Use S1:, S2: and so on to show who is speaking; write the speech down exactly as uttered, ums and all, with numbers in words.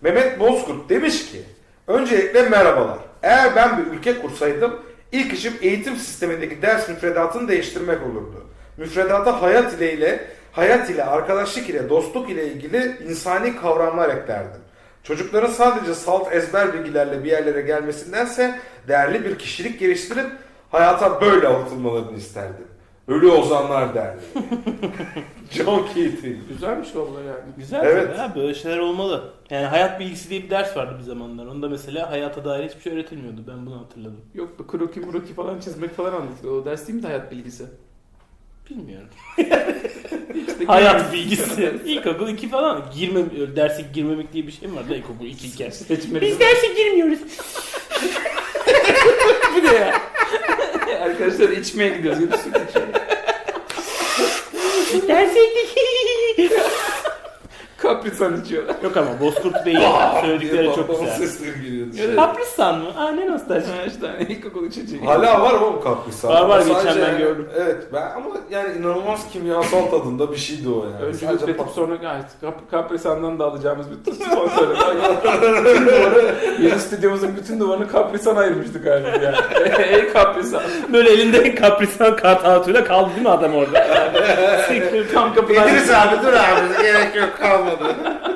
S1: Mehmet Bozkurt demiş ki, öncelikle merhabalar. Eğer ben bir ülke kursaydım, ilk işim eğitim sistemindeki ders müfredatını değiştirmek olurdu. Müfredata hayat ile ile, hayat ile, arkadaşlık ile, dostluk ile ilgili insani kavramlar eklerdim. Çocukların sadece salt ezber bilgilerle bir yerlere gelmesindense değerli bir kişilik geliştirip hayata böyle atılmalarını isterdim. Ölü ozanlar derdi. John Keating.
S2: Güzelmiş vallahi yani.
S3: Güzel
S1: Evet.
S3: tabii ha, böyle şeyler olmalı. Yani hayat bilgisi diye bir ders vardı bir zamanlar. Onda mesela hayata dair hiçbir şey öğretilmiyordu. Ben bunu hatırladım.
S2: Yok bu kroki muroki falan çizmek falan anlatıyor. O ders değil mi de hayat bilgisi?
S3: Bilmiyorum.
S2: İşte
S3: Hayat bilgisi. İlkokul iki falan. Girme, derse girmemek diye bir şey mi var da ilkokul iki iken?
S2: seçmeli.
S3: Biz derse girmiyoruz.
S2: Bu ne ya? Arkadaşlar içmeye gidiyoruz. Gidip süt içelim.
S3: Biz derse
S2: Kaprisan içiyorlar.
S3: Yok ama Bozkurt Bey'in söyledikleri çok
S1: Patlamış
S3: güzel.
S1: sesleri geliyordu.
S2: Evet.
S3: Kapristan mı? Aa ne nostalji.
S2: Ha işte hani ilkokul içeceği.
S1: Hala var ama bu kaprisa.
S3: Var, var,
S1: Ama
S3: geçen
S1: sadece
S3: ben
S1: yani-
S3: gördüm.
S1: Evet ben ama yani inanılmaz kimyasal tadında bir şeydi o yani.
S2: Önce
S1: Sadece
S2: üretip
S1: pat-
S2: sonra gayet Kap Kaprisan'dan da alacağımız bütün sponsoru. Bütün duvarı, yeni stüdyomuzun bütün duvarını Kaprisan ayırmıştık galiba yani. Ey Kaprisan.
S3: Böyle elinde kapristan kart altıyla kaldı değil mi adam orada?
S2: Tam kapıdan.
S1: İdris abi dur abi gerek yok kalmadı.